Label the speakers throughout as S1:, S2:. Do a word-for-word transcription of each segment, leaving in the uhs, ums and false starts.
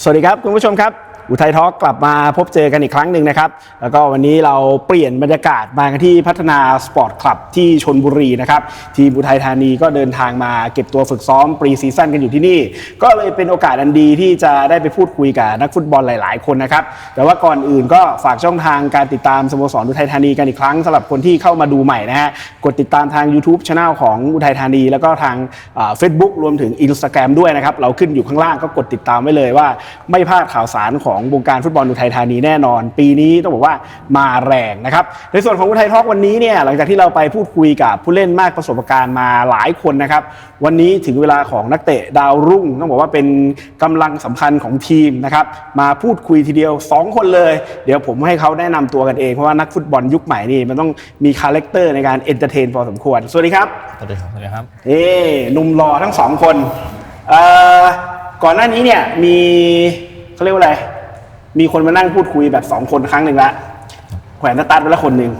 S1: สวัสดีครับคุณผู้ชมครับอุทัยทอล์กกลับมาพบเจอกันอีกครั้งหนึ่งนะครับแล้วก็วันนี้เราเปลี่ยนบรรยากาศมากันที่พัฒนาสปอร์ตคลับที่ชลบุรีนะครับทีมอุทัยธานีก็เดินทางมาเก็บตัวฝึกซ้อมปรีซีซั่นกันอยู่ที่นี่ก็เลยเป็นโอกาสอันดีที่จะได้ไปพูดคุยกับนักฟุตบอลหลายๆคนนะครับแต่ว่าก่อนอื่นก็ฝากช่องทางการติดตามสโมสรอุทัยธานีกันอีกครั้งสำหรับคนที่เข้ามาดูใหม่นะฮะกดติดตามทาง YouTube Channel ของอุทัยธานีแล้วก็ทางเฟซบุ๊กรวมถึง Instagram ด้วยนะครับเราขึ้นอยู่ข้างล่างก็กดติดตามไว้เลยว่าไม่พลาดข่าวสารของวงการฟุตบอลอุทัยธานีแน่นอนปีนี้ต้องบอกว่ามาแรงนะครับในส่วนของอุทัยทอล์กวันนี้เนี่ยหลังจากที่เราไปพูดคุยกับผู้เล่นมากประสบการณ์มาหลายคนนะครับวันนี้ถึงเวลาของนักเตะดาวรุ่งต้องบอกว่าเป็นกำลังสำคัญของทีมนะครับมาพูดคุยทีเดียวสองคนเลยเดี๋ยวผมให้เขาแนะนำตัวกันเองเพราะว่านักฟุตบอลยุคใหม่นี่มันต้องมีคาแรคเตอร์ในการเอนเตอร์เทนพอสมควรสวัสดีครับ
S2: สวัสดีครับสวัสดีครับ
S1: เอ๊หนุ่มหล่อทั้งสองคนเอ่อก่อนหน้านี้เนี่ยมีเขาเรียกว่าอะไรมีคนมานั่งพูดคุยแบบสองคนครั้งหนึ่งละแขวนสตาร์ทไปแล้วคนหนึ่ง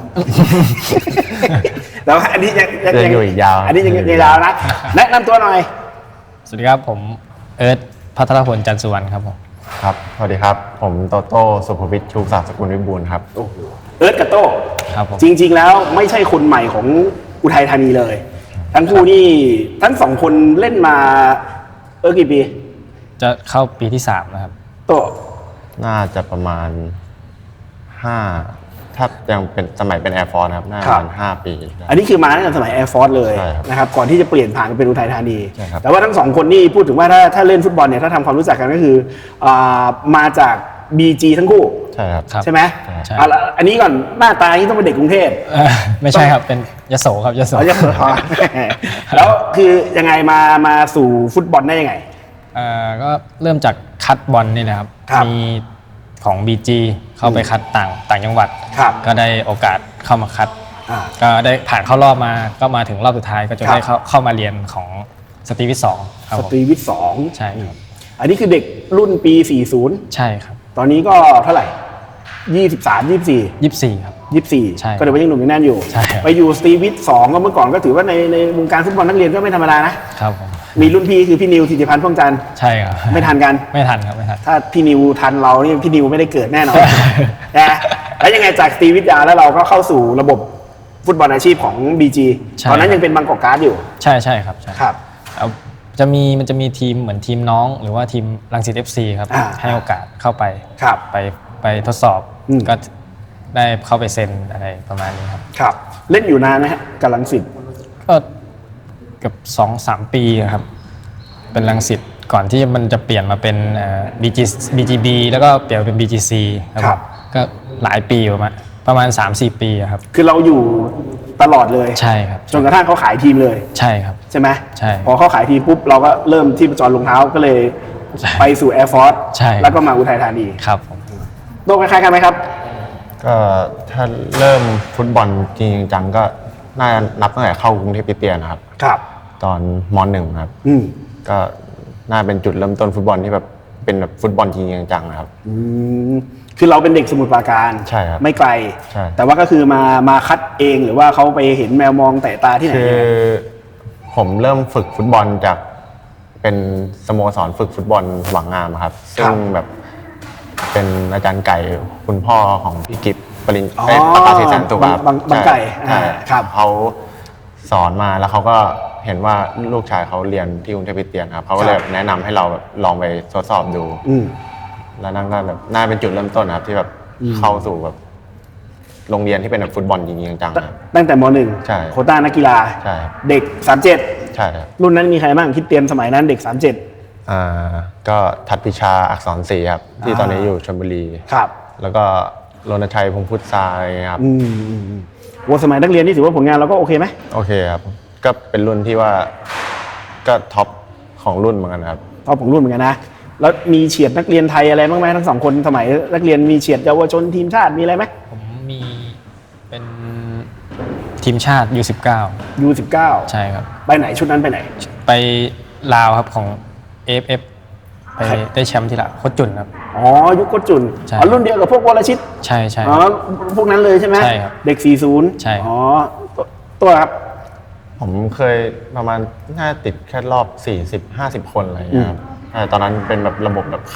S1: แล้วอันนี้ยัง
S2: ยังอยู่อีกยาว
S1: อันนี้ยังยาวนะแนะนำตัวหน่อย
S2: สวัสดีครับผมเอิร์ธพัทรพลจันทร์สุวรรณครับผม
S3: ครับสวัสดีครับผมโตโต้สุภวิทย์ชูศักดิ์สกุลวิบูลย์ครับ
S1: โอ้โหเอิร์ธกับโต้
S2: ครับผม
S1: จริงๆแล้วไม่ใช่คนใหม่ของอุทัยธานีเลยทั้งคู่นี่ทั้งสองคนเล่นมาเอิร์ธกี่ปี
S2: จะเข้าปีที่สามนะครับ
S1: โต้
S3: น่าจะประมาณห้าถ้ายังเป็นสมัยเป็น Air Force ครับน่าจะประมาณห้าปี
S1: อันนี้คือมาตั้งแต่สมัย Air Force เลยนะครับก่อนที่จะเปลี่ยนผ่านเป็นอุทัยธานีแต่ว่าทั้งสองคนนี่พูดถึงว่าถ้าถ้าเล่นฟุตบอลเนี่ยถ้าทำความรู้จักกันก็คือมาจาก บี จี ทั้งคู่
S3: ใช่ครับ
S1: ใช่ไหม
S2: ใช่
S1: อันนี้ก่อนหน้าตานี่ต้องเป็นเด็กกรุงเทพ
S2: ไม่ใช่ครับเป็นยโสครับยโส
S1: ยโสแล้วคือยังไงมามาสู่ฟุตบอลได้ยังไง
S2: ก็เริ่มจากคัดบอลนี่แหละครับมีของ บี จี เข้าไปคัดต่างต่างจังหวัดก็ได้โอกาสเข้ามาคัดก็ได้ผ่านเข้ารอบมาก็มาถึงรอบสุดท้ายก็จะได้เข้าเข้ามาเรียนของสตรีวิทย์สอง
S1: สตรีวิทย์สอง
S2: ใช่ครับ
S1: อันนี้คือเด็กรุ่นปีสี่สิบ
S2: ใช่ครับ
S1: ตอนนี้ก็เท่าไหร่ยี่สิบสาม ยี่สิบสี่
S2: ยี่สิบสี่ครับ
S1: ยี่สิบสี่ก็เดี๋ยวยังหนุ่มยังแน่นอยู่ไปอยู่สตรีวิทย์สองก็เมื่อก่อนก็ถือว่าในในวงการฟุตบอลนักเรียนก็ไม่ธรรมดานะครับ
S2: ผม
S1: มีรุ่นพี่คือพี่นิวธิติพันธ์พ่วงจันทร์
S2: ใช่ครับ
S1: ไม่ทันกัน
S2: ไม่ทันครับไม่ทัน
S1: ถ้าพี่นิวทันเรานี่พี่นิวไม่ได้เกิดแน่นอนนะแล้วยังไงจากสตรีวิทยาแล้วเราก็เข้าสู่ระบบฟุตบอลอาชีพของ บี จี ตอนนั้นยังเป็นบางกอกการ์ดอยู่
S2: ใช่ใช่ครับ
S1: ใช่ครับ
S2: จะมีมันจะมีทีมเหมือนทีมน้องหรือว่าทีมรังสิต เอฟ ซี ครับให้โอกาสเข้าไปไปไปทดสอบก็ได้เข้าไปเซ็นอะไรประมาณนี้ครับ
S1: ครับเล่นอยู่นานไหมฮะกับรังสิต
S2: ก็เกือบสองสามปีครับเป็นรังสิตก่อนที่มันจะเปลี่ยนมาเป็น บี จี บี จี บี แล้วก็เปลี่ยนเป็น บี จี ซี ครับก็หลายปีประมาณประมาณ สามสี่ ปีครับ
S1: คือเราอยู่ตลอดเลย
S2: ใช่ครับ
S1: จนกระทั่งเขาขายทีมเลย
S2: ใช่ครับ
S1: ใช่ไหม
S2: ใช่
S1: พอเขาขายทีมปุ๊บเราก็เริ่มที่ประจรรองเท้าก็เลยไปสู่ Air Force
S2: ใช่
S1: แล้วก็มาอุทัยธานี
S2: ครับ
S1: โตคล้ายๆกันไหมครับ
S3: ก็ถ้าเริ่มฟุตบอลจริงจังก็น่านับตั้งแต่เข้ากรุงเทพคริสเตียนนะครับ
S1: ครับ
S3: ตอนม.หนึ่งครับก็น่าเป็นจุดเริ่มต้นฟุตบอลที่แบบเป็นแบบฟุตบอลจริงจังนะครับ
S1: คือเราเป็นเด็กสมุทรปราการ
S3: ใช่ครับ
S1: ไม่ไกล
S3: ใช่
S1: แต่ว่าก็คือมามาคัดเองหรือว่าเขาไปเห็นแมวมองแต่ตาที่ไหน
S3: คือผมเริ่มฝึกฟุตบอลจากเป็นสโมสรฝึกฟุตบอลหวังงามครับซึ่งแบบเป็นอาจารย์ไก่คุณพ่อของพี่กิฟปริญประกาศแสนตุกครับ
S1: บางไก่
S3: ครับเขาสอนมาแล้วเขาก็เห็นว่าลูกชายเขาเรียนที่กรุงเทพคริสเตียนครับเขาก็เลยแนะนำให้เราแบบลองไปทดสอบดูแล้วนั่นก็แบบน่าเป็นจุดเริ่มต้นครับที่แบบเข้าสู่แบบโรงเรียนที่เป็นแบบฟุตบอลจริงๆจัง
S1: ๆตั้งแต่ม.หนึ่ง
S3: ใช่
S1: โควต้านักกีฬา
S3: ใช่
S1: เด็กสามสิบเจ็ด
S3: ใช่ครับ
S1: รุ่นนั้นมีใครบ้างคิดเตรียมสมัยนั้นเด็กสามสิบเจ็ด
S3: อ่าก็ทัดพิชาอักษรศรีครับที่ตอนนี้อยู่ชลบุรี
S1: ครับ
S3: แล้วก็รณชัยพงษ์พุทธทรายครับ
S1: อืมวันสมัยนักเรียนนี่ถือว่าผลงานเราก็โอเคไหม
S3: โอเคครับก็เป็นรุ่นที่ว่าก็ท็อปของรุ่นเหมือนกันครับ
S1: ท็อปของรุ่นเหมือนกันนะแล้วมีเฉียดนักเรียนไทยอะไรบ้างไหมทั้งสองคนสมัยนักเรียนมีเฉียดเยาวชนทีมชาติมีอะไรไหม
S2: ผมมีเป็นทีมชาติ ยู สิบเก้า
S1: ยู สิบเก้า
S2: ใช่ครับ
S1: ไปไหนชุดนั้นไปไหน
S2: ไปลาวครับของ เอ เอฟ เอฟ ไปได้แชมป์ที่ละโคตรจุนครับ
S1: อ๋อยุคโคตรจุนอ๋อรุ่นเดียวกับพวกวรชิต
S2: ใช่ใช่
S1: อ๋อพวกนั้นเลยใช่ไหม
S2: ใช่ครับ
S1: เด็กสี่สิบ
S2: ใช่
S1: อ๋อตัวครับ
S3: ผมเคยประมาณน่าติดแค่รอบสี่สิบ ห้าสิบคนอะไรอย่างเงี้ยครับตอนนั้นเป็นแบบระบบแบบคัด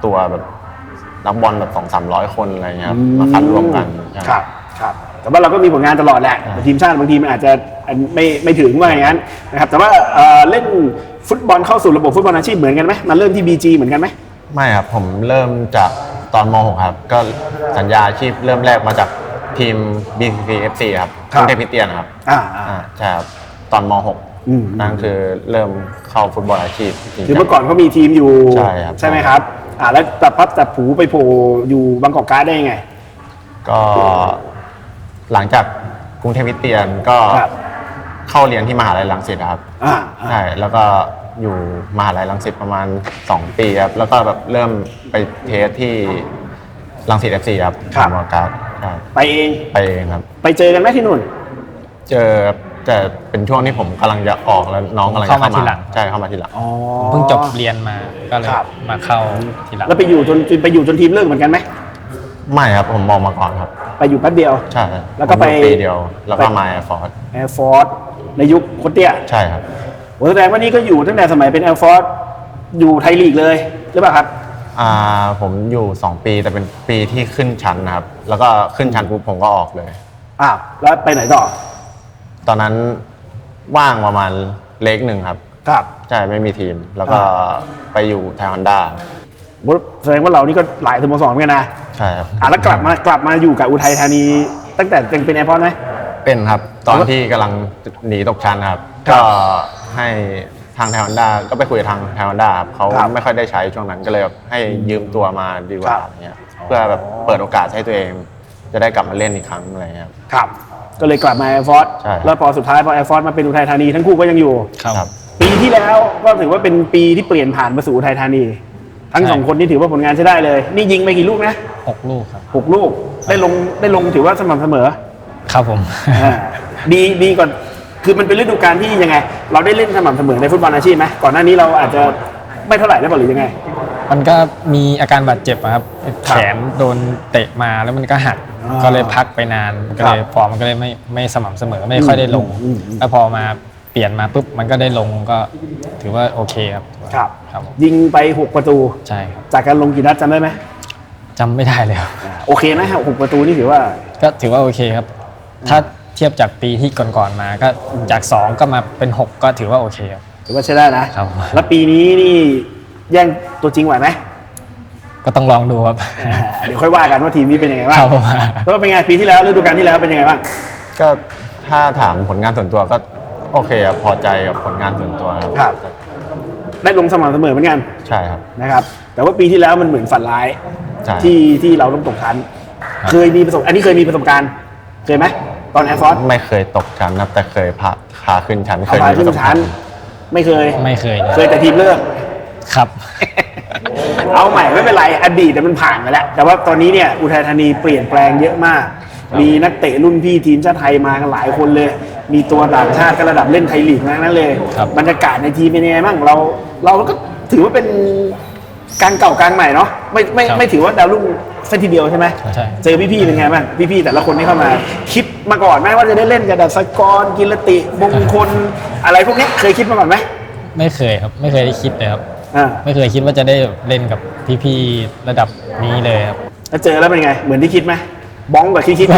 S3: ตัวแบบนักบอลแบบสองสามร้อยคนอะไรเงี้ยครับมาคัดรวมกัน
S1: ครับครับแต่ว่าเราก็มีผลงานตลอดแหละทีมชาติบางทีมันอาจจะไม่ไม่ถึงว่าอย่างนั้นนะครับแต่ว่าเอ่อเล่นฟุตบอลเข้าสู่ระบบฟุตบอลอาชีพเหมือนกันไหมมาเริ่มที่ บี จี เหมือนกันไหม
S3: ไม่ครับผมเริ่มจากตอนม .หก ครับก็สัญญาอาชีพเริ่มแรกมาจากทีม บี ซี ซี เอฟ ซี ครับกรุงเทพคริสเตียนครับ
S1: อ่า
S3: อ่าใช่ครับตอนม .หก นั่นคือเริ่มเข้าฟุตบอลอาชีพ
S1: คือเมื่อก่อนเขามีทีมอยู่
S3: ใช่ครับ
S1: ใช่ไหมครับอ่าแล้วแต่พับแต่ผูไปโผล่อยู่บางกอกการ์ดได้ยังไง
S3: ก็หลังจากกรุงเทพคริสเตียนก็เข้าเรียนที่มหาลัยรังสิตครับใช่แล้วก็อยู่มหาลัยรังสิตประมาณสองปีครับแล้วก็แบบเริ่มไปเทสที่รังสิต เอฟ ซี ครับมหาการ
S1: ไปเอง
S3: ไปเองครับ
S1: ไปเจอกันไหมที่นู่น
S3: เจอแต่เป็นช่วงที่ผมกำลังจะออกแล้วน้องกำลังจะเข้ามาทีหลังใช่เข้ามาทีหลัง
S2: เพิ่งจบเรียนมาก็เลยมาเข้าทีหลัง
S1: แล้วไปอยู่จนไปอยู่จนทีมเลิกเหมือนกันไหม
S3: ไม่ครับผมมองมาก่อนครับ
S1: ไปอยู่แป๊บเดียว
S3: ใช่
S1: แล้วก็ไป
S3: ปีเดียวแล้วก็มาแอร์ฟอร์ส
S1: แอร์ฟอร์สในยุคโคตรเตี้ย
S3: ใช่ครับ
S1: โอ้แสดงว่านี่ก็อยู่ตั้งแต่สมัยเป็นแอร์ฟอร์สอยู่ไทยลีกเลยหรือเปล่าครับ
S3: อ่าผมอยู่สองปีแต่เป็นปีที่ขึ้นชั้นนะครับแล้วก็ขึ้นชั้นปุ๊บผมก็ออกเลย
S1: อ้าวแล้วไปไหนต่อ
S3: ตอนนั้นว่างประมาณเล็กหนึ่งครับ
S1: ครับ
S3: ใช่ไม่มีทีมแล้วก็ไปอยู่ไทยฮอนด้า
S1: แสดงว่าเรานี่ก็หลายสโมสรเหมือนกันนะ
S3: ใช่ครับ
S1: อ่ะแล้วกลับมากลับมาอยู่กับอุทัยธานีตั้งแต่ยังเป็นแอร์พอร์ตไหม
S3: เป็นครับตอนที่กำลังหนีตกชั้นครับก็ให้ทางไทยฮอนด้าก็ไปคุยกับทางไทยฮอนด้าครับเขาไม่ค่อยได้ใช้ช่วงนั้นก็เลยแบบให้ยืมตัวมาดีกว่าเนี้ยเพื่อแบบเปิดโอกาสให้ตัวเองจะได้กลับมาเล่นอีกครั้งอะไรเงี้ย
S1: ครับก็เลยกลับมาแอร์ฟอร์สแล้วพอสุดท้ายพอแอร์ฟอร์สมาเป็นอุทัยธานีทั้งคู่ก็ยังอยู่
S3: ครับ
S1: ปีที่แล้วก็ถือว่าเป็นปีที่เปลี่ยนผ่านมาสู่อุทัยธานีทั้งสองคนนี่ถือว่าผลงานใช้ได้เลยนี่ยิงไปกี่ลูกนะ
S2: หกลูกครับ
S1: หกลูกได้ลงได้ลงถือว่าสม่ำเสมอ
S2: ครับผม
S1: ดีดีก่อนคือมันเป็นฤดูกาลที่ยังไงเราได้เล่นสม่ำเสมอในฟุตบอลอาชีพไหมก่อนหน้านี้เราอาจจะไม่เท่าไหร่ได้ป่ะหรือยังไง
S2: มันก็มีอาการบาดเจ็บครับแขนโดนเตะมาแล้วมันก็หักก็เลยพักไปนานก็เลยฟอร์มมันก็เลยไม่ไม่สม่ำเสมอไม่ค่อยได้ลงแล้วพอมาเปลี่ยนมาปุ๊บมันก็ได้ลงก็ถือว่าโอเคครับ
S1: ครับครับยิงไปหกประตู
S2: ใช่ครับ
S1: จากการลงกี่นัดจำได้ไหม
S2: จำไม่ได้เลย
S1: โอเคไหมหกประตูนี่ถือว่า
S2: ก็ถือว่าโอเคครับถ้าเทียบจากปีที่ก่อนๆมาก็จากสองก็มาเป็นหกก็ถือว่าโอเคครับ
S1: ถือว่าใช้ได้นะครับแล้วปีนี้นี่แย่งตัวจริงไหวไหม
S2: ก็ต้องลองดูครับ
S1: เดี๋ยวค่อยว่ากันว่าทีมนี้เป็นยังไงบ้างแล้วเป็นไงปีที่แล้วฤดูกาลที่แล้วเป็นยังไงบ้าง
S3: ก็ถ้าถามผลงานส่วนตัวก็โอเคครับพอใจกับผลงานส่วนตัว
S1: ครับได้ลงสม่ำเสมอเหมือนกัน
S3: ใช่ครับ
S1: นะครับแต่ว่าปีที่แล้วมันเหมือนฝันร้ายที่ที่เราต้องตกชั้นเคยมีประสบอันนี้เคยมีประสบการณ์เคยไหมตอนแอร์ฟอร์ส
S3: ไม่เคยตกชั้นนะแต่เคยพาพาขึ้นชั้น
S1: เคยมีประสบการณ์ไม่เคย
S2: ไม่เคย
S1: เคยแต่ทีมเลิก
S2: ครับ
S1: เอาใหม่ไม่เป็นไรอดีตแต่มันผ่านไปแล้วแต่ว่าตอนนี้เนี่ยอุทัยธานีเปลี่ยนแปลงเยอะมากมีนักเตะรุ่นพี่ทีมชาติไทยมากันหลายคนเลยมีตัวต่างชาติก็ระดับเล่นไทยลีกนั้นเลยบรรยากาศในทีมเป็นยังไงบ้างเราเราก็ถือว่าเป็นกลางเก่ากลางใหม่เนาะไม่ไม่ไม่ถือว่าดาวรุ่งเส้นทีเดียวใช่ไหม
S2: ใช่
S1: เจอพี่ๆเป็นไงบ้างพี่ๆแต่ละคนที่เข้ามาคิดมาก่อนไหมว่าจะได้เล่นกับดัชกรกิรติมงคลอะไรพวกนี้เคยคิดมาก่อนไหม
S2: ไม่เคยครับไม่เคยได้คิดเลยครับไม่เคยคิดว่าจะได้เล่นกับพี่ๆระดับนี้เลยครับ
S1: แล้วเจอแล้วเป็นไงเหมือนที่คิดไหมบ้องกว่าที่คิดไหม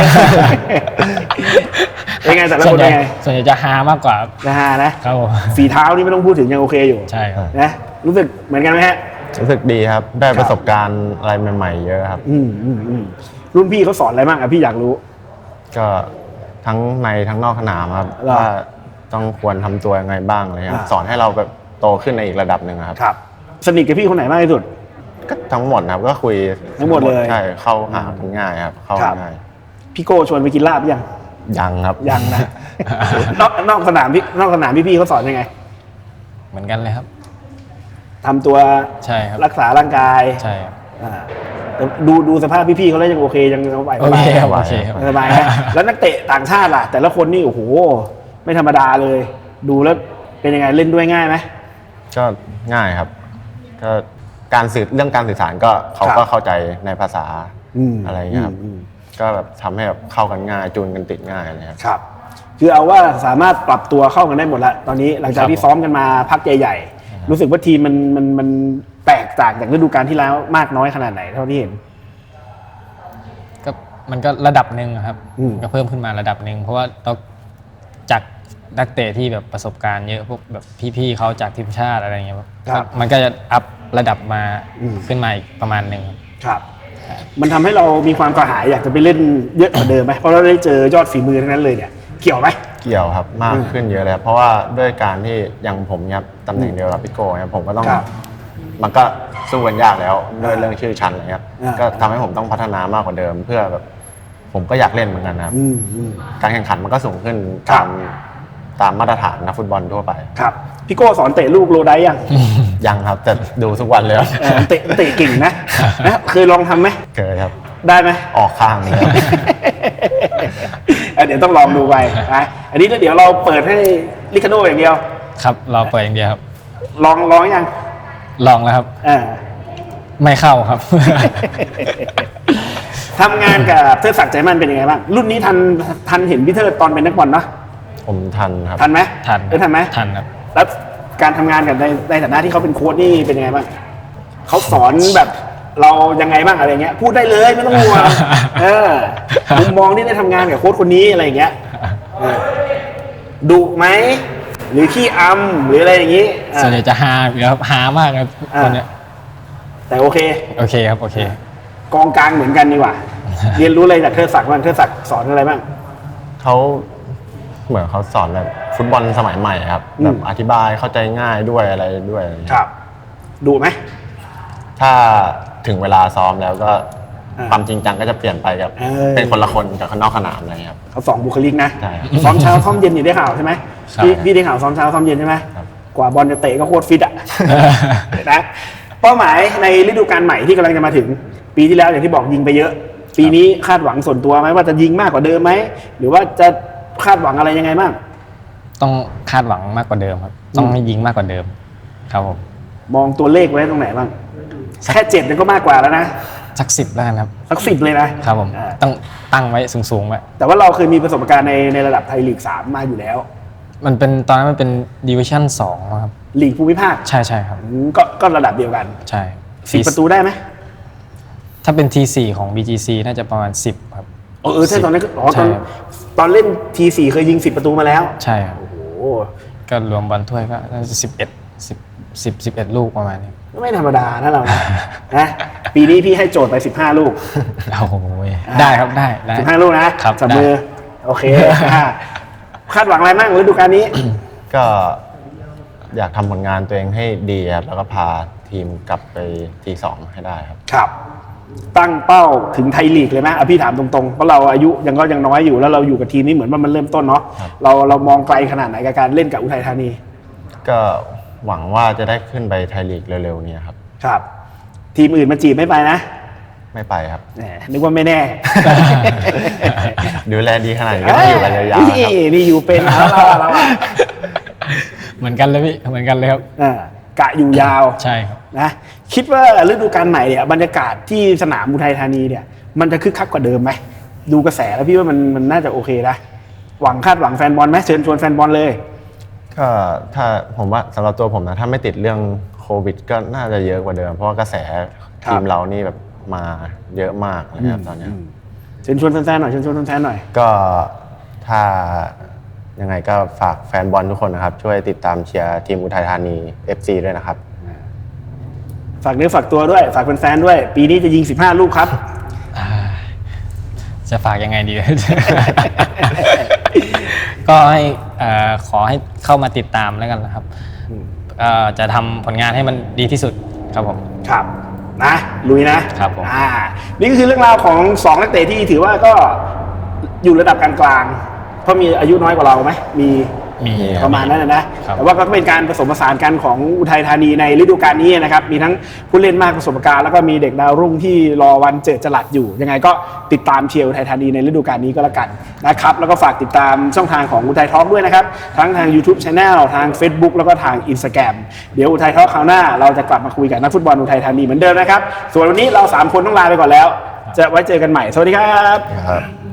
S1: เป็นไงแต่ละคนเป็นไง
S2: ส่วนใหญ่จะฮามากกว่า
S1: จะฮานะครับฝีเท้านี่ไม่ต้องพูดถึงยังโอเคอยู่
S2: ใช่ครับ
S1: นะรู้สึกเหมือนกันไหมฮะ
S3: รู้สึกดีครับได้ประสบการณ์อะไรใหม่ๆเยอะครับ
S1: อืมอืมอืมรุ่นพี่เขาสอนอะไรบ้างอ่ะพี่อยากรู้
S3: ก็ทั้งในทั้งนอกสนามครับว่าต้องควรทำตัวยังไงบ้างอะไรครับสอนให้เราแบบโตขึ้นในอีกระดับหนึ่งครับ
S1: ครับสนิทกับพี่คนไหนมากที่สุด
S3: ก็ทั้งหมดครับก็คุย
S1: ทั้งหมดเลย
S3: ใช่เข้าหากันง่ายครับเข้าง่าย
S1: พี่โก้ชวนไปกินลาบยัง
S3: ยังครับ
S1: ยังนะนอกนอกสนามพี่นอกสนามพี่พี่เขาสอนยังไง
S2: เหมือนกันเลยครับ
S1: ทำตัว
S2: ใช่ครับ
S1: รักษาร่างกาย
S2: ใช่
S1: ดูดูสภาพพี่ๆเขาแล้วยังโอเคยังสบาย
S2: โอเคครับโอเค
S1: สบายนะแล้วนักเตะต่างชาติล่ะแต่ละคนนี่โอ้โหไม่ธรรมดาเลยดูแล้วเป็นยังไงเล่นด้วยง่ายไหม
S3: ก็ง่ายครับก็การสื่อเรื่องการสื่อสารก็เขาก็เข้าใจในภาษาอะไรเงี้ยครับก็แบบทำให้แบบเข้ากันง่ายจูนกันติดง่ายอะไรครับ
S1: ครับคือเอาว่าสามารถปรับตัวเข้ากันได้หมดแล้วตอนนี้หลังจากที่ซ้อมกันมาพักใหญ่ๆรู้สึกว่าทีมมันมันมันแตกต่างจากฤดูกาลที่แล้วมากน้อยขนาดไหนเท่าที่เห็น
S2: ก็มันก็ระดับหนึ่งครับ
S1: อืม
S2: ก็เพิ่มขึ้นมาระดับหนึ่งเพราะว่าเราจากนักเตะที่แบบประสบการณ์เยอะพวกแบบพี่ๆเขาจากทีมชาติอะไรเงี้ยครับมันก็จะอัพระดับมาขึ้นมาอีกประมาณหนึ่ง
S1: ครับ มันทำให้เรามีความกระหายอยากจะไปเล่นเยอะกว่าเดิมไหมเพราะเราได้เจอยอดฝีมือทั้งนั้นเลยเนี่ยเกี่ยวไหม
S3: เกี่ยวครับมากขึ้นเยอะเลยครับเพราะว่าด้วยการที่อย่างผมเนี่ยตำแหน่งเดียวกับพี่โก้เนี่ยผมก็ต้อง
S1: ครับ
S3: มันก็สู้กันยากแล้วด้วยเรื่องชื่อชั้นอะไรครับ
S1: อ่า
S3: ก็ทำให้ผมต้องพัฒนามากกว่าเดิม เพื่อแบบผมก็อยากเล่นเหมือนกันนะครับ
S1: อืมอืม
S3: การแข่งขันมันก็สูงขึ้น
S1: ครั
S3: ตา
S1: บ
S3: มตามมาตรฐานนักฟุตบอลทั่วไป
S1: ครับพี่โก้สอนเตะลูกโลได้ยัง
S3: ยังครับแต่ดูทุกวันเลยครับ
S1: เออเตะเตะเก่งนะนะเคยลองทำไหม
S3: เคยครับ
S1: ได้ไหม
S3: ออกข้างเลยครับ
S1: อ่ะเดี๋ยวต้องลองดูไปนะอันนี้แล้วเดี๋ยวเราเปิดให้ลิคาโดอย่างเดียว
S2: ครับเราเปิดอย่างเดียวครับ
S1: ลองลองยัง
S2: ลองแล้วครับ
S1: อ่า
S2: ไม่เข้าครับ
S1: ทำงานกับเทิดศักดิ์ใจมั่นเป็นยังไงบ้างรุ่นนี้ทันทันเห็นพี่เทิดตอนเป็นนักบอลเนาะ
S3: ผมทันครับ
S1: ทันไหม
S2: ทัน
S1: เออทันไหม
S2: ทันครับ
S1: แล้วการทำงานกับในในฐานะที่เขาเป็นโค้ชนี่เป็นยังไงบ้างเขาสอนแบบเรายังไงบ้างอะไรเงี้ยพูดได้เลยไม่ต้องห่วง เออมุมมองที่ได้ทำงานกับโค้ชคนนี้อะไรเงี้ยเออดุไหมหรือขี้อำหรืออะไรอย่างงี้อ่า
S2: ส่วนใหญ่จะฮาอยู่ครับฮามากครับ
S1: อ่า
S2: คนเนี้ย
S1: แต่โอเค
S2: โอเคครับโอเค
S1: กองกลางเหมือนกันดีกว่า เรียนรู้อะไรจากเทิดศักดิ์บ้างเทิดศักดิ์สอนอะไรบ้าง
S3: เขาเหมือนเขาสอนแบบฟุตบอลสมัยใหม่ครับ
S1: อืม
S3: แบบอธิบายเข้าใจง่ายด้วยอะไรด้วยอะไรอย่างเงี้ย
S1: ครับดุไหม
S3: ถ้าถึงเวลาซ้อมแล้วก็
S1: อ่า
S3: ความจริงจังก็จะเปลี่ยนไปกับ
S1: เออ
S3: เป็นคนละคนกับข้างนอกสนามอะไรเงี้ยครับ
S1: เขาสองบุคลิกนะ
S3: ใช่ครับ
S1: ซ้อมเช้าซ้อมเย็นอยู่ได้ข่าวใช่ไหม
S2: ครับ
S1: พี่พี่ได้ข่าวซ้อมเช้าซ้อมเย็นใช่ไหม
S3: ครับ
S1: กว่าบอลจะเตะก็โคตรฟิตอ่ะ นะเป้าหมายในฤดูกาลใหม่ที่กำลังจะมาถึง ปีที่แล้วอย่างที่บอกยิงไปเยอะ ปีนี้คาดหวังส่วนตัวไหมว่าจะยิงมากกว่าเดิมไหมหรือว่าจะคาดหวังอะไรยังไงบ้าง
S2: ต้องคาดหวังมากกว่าเดิมครับ ต้องให้ยิงมากกว่าเดิม ครับผม
S1: มองตัวเลขไว้ตรงไหนบ้างแค่เจ็ดเนี่ยก็มากกว่าแล้วนะ
S2: สักสิบแล้วกันครับ
S1: สักสิบเลยนะครับ
S2: ผม
S1: อ่า
S2: ต้องตั้งไว้สูงๆไว้
S1: แต่ว่าเราเคยมีประสบการณ์ในในระดับไทยลีกสามมาอยู่แล้ว
S2: มันเป็นตอนนั้นมันเป็นดิวิชั่นสองครับ
S1: ลีกภูมิภาค
S2: ใช่ใช่ครับ
S1: อืมก็ก็ระดับเดียวกัน
S2: ใช่
S1: สิบประตูได้ไหม
S2: ถ้าเป็น ที สี่ ของ บี จี ซี น่าจะประมาณสิบครับ
S1: เออเออใช่ตอนนั้นก็อ๋อต
S2: ใช่
S1: อน
S2: ครับ
S1: ตอนเล่นทีสี่เคยยิงสิบประตูมาแล้ว
S2: ใช่ครับ
S1: โอ้โห
S2: ก็รวมบอลถ้วยก็น่าจะสิบเอ็ดสิบสิบสิบเอ็ดลูกประมาณนี้
S1: ไม่ธรรมดานะเรานะ นะปีนี้พี่ให้โจทย์ไปสิบห้าลูก
S2: โอ้โหได้ครับได้ได้
S1: สิบห้าลูกนะครับ จับมือ
S2: ได้
S1: โอเคอ่ะคาดหวังอะไรบ้างฤดูกาลนี้
S3: ก็อยากทำผลงานตัวเองให้ดีครับแล้วก็พาทีมกลับไปทีสองให้ได้ครับ
S1: ครับ ตั้งเป้าถึงไทยลีกเลยไหมเอาพี่ถามตรงๆเพราะเราอายุยังก็ยังน้อยอยู่แล้วเราอยู่กับทีมนี้เหมือนว่ามันเริ่มต้นเนาะ
S3: ครับ
S1: เราเรามองไกลขนาดไหนกับการเล่นกับอุทัยธานี
S3: ก็หวังว่าจะได้ขึ้นไปไทยลีกเร็วๆนี้ครับ
S1: ครับ ทีมอื่นมาจีบไม่ไปนะ
S3: ไม่ไปครับ
S1: แหมนึกว่าไม่แน่
S3: ดูแลดีขนาดนี้ก็ต้องอยู่กันยาวๆครับ
S1: นี่นี่อยู่เป็นแล้วเราเราอะ
S2: เหมือนกันเลยพี่เหมือนกันเลยครับ
S1: อ่ากะอยู่ยาว
S2: ใช่ครับ
S1: นะคิดว่าฤดูกาลใหม่เนี่ยบรรยากาศที่สนามอุทัยธานีเนี่ย มันจะคึกคักกว่าเดิมไหมดูกระแสแล้วพี่ว่ามันมันน่าจะโอเคนะหวังคาดหวังแฟนบอลไหมเชิญชวนแฟนบอลเลย
S3: ก็ถ้าผมว่าสำหรับตัวผมนะถ้าไม่ติดเรื่องโควิด ก็น่าจะเยอะกว่าเดิม เพราะว่ากระแส
S1: ครับ
S3: ทีมเรานี่แบบมาเยอะมากนะครับตอนเนี้ย
S1: เชิญชวนแฟนๆหน่อยเชิญชวนแฟนๆหน่อย
S3: ก็ถ้ายังไงก็ฝากแฟนบอลทุกคนนะครับ ช่วยติดตามเชียร์ทีมอุทัยธานี เอฟ ซี ด้วยนะครับ
S1: ฝากเนื้อฝากตัวด้วย ฝากแฟนๆด้วย ปีนี้จะยิงสิบห้าลูกครับ
S2: จะฝากยังไงดี ก็ให้เอ่อขอให้เข้ามาติดตามแล้วกันนะครับเอ่อจะทำผลงานให้มันดีที่สุดครับผม
S1: ครับนะลุยนะครับ
S2: ผม
S1: อ่านี่ก็คือเรื่องราวของสองนักเตะที่ถือว่าก็อยู่ระดับกลางๆเพราะมีอายุน้อยกว่าเราไหมมี
S2: มี
S1: ประมาณนั้นนะนะ
S2: ครับ
S1: แต่ว่าก็เป็นการผสมผสานกันของอุทัยธานีในฤดูกาลนี้นะครับ มีทั้งผู้เล่นมากประสบการณ์แล้วก็มีเด็กดาวรุ่งที่รอวันเจิดจรัสอยู่ ยังไงก็ติดตามเชียร์อุทัยธานีในฤดูกาลนี้ก็แล้วกันนะครับ แล้วก็ฝากติดตามช่องทางของอุทัยทอล์กด้วยนะครับ ทั้งทาง YouTube Channel ทาง Facebook แล้วก็ทาง Instagram เดี๋ยวอุทัยทอล์กคราวหน้าเราจะกลับมาคุยกับนักฟุตบอลอุทัยธานีเหมือนเดิมนะครับ ส่วนวันนี้เราสามคนต้องลาไปก่อนแล้ว จะไว้เจอกันใหม่ สวัสดีครับ
S3: ครับ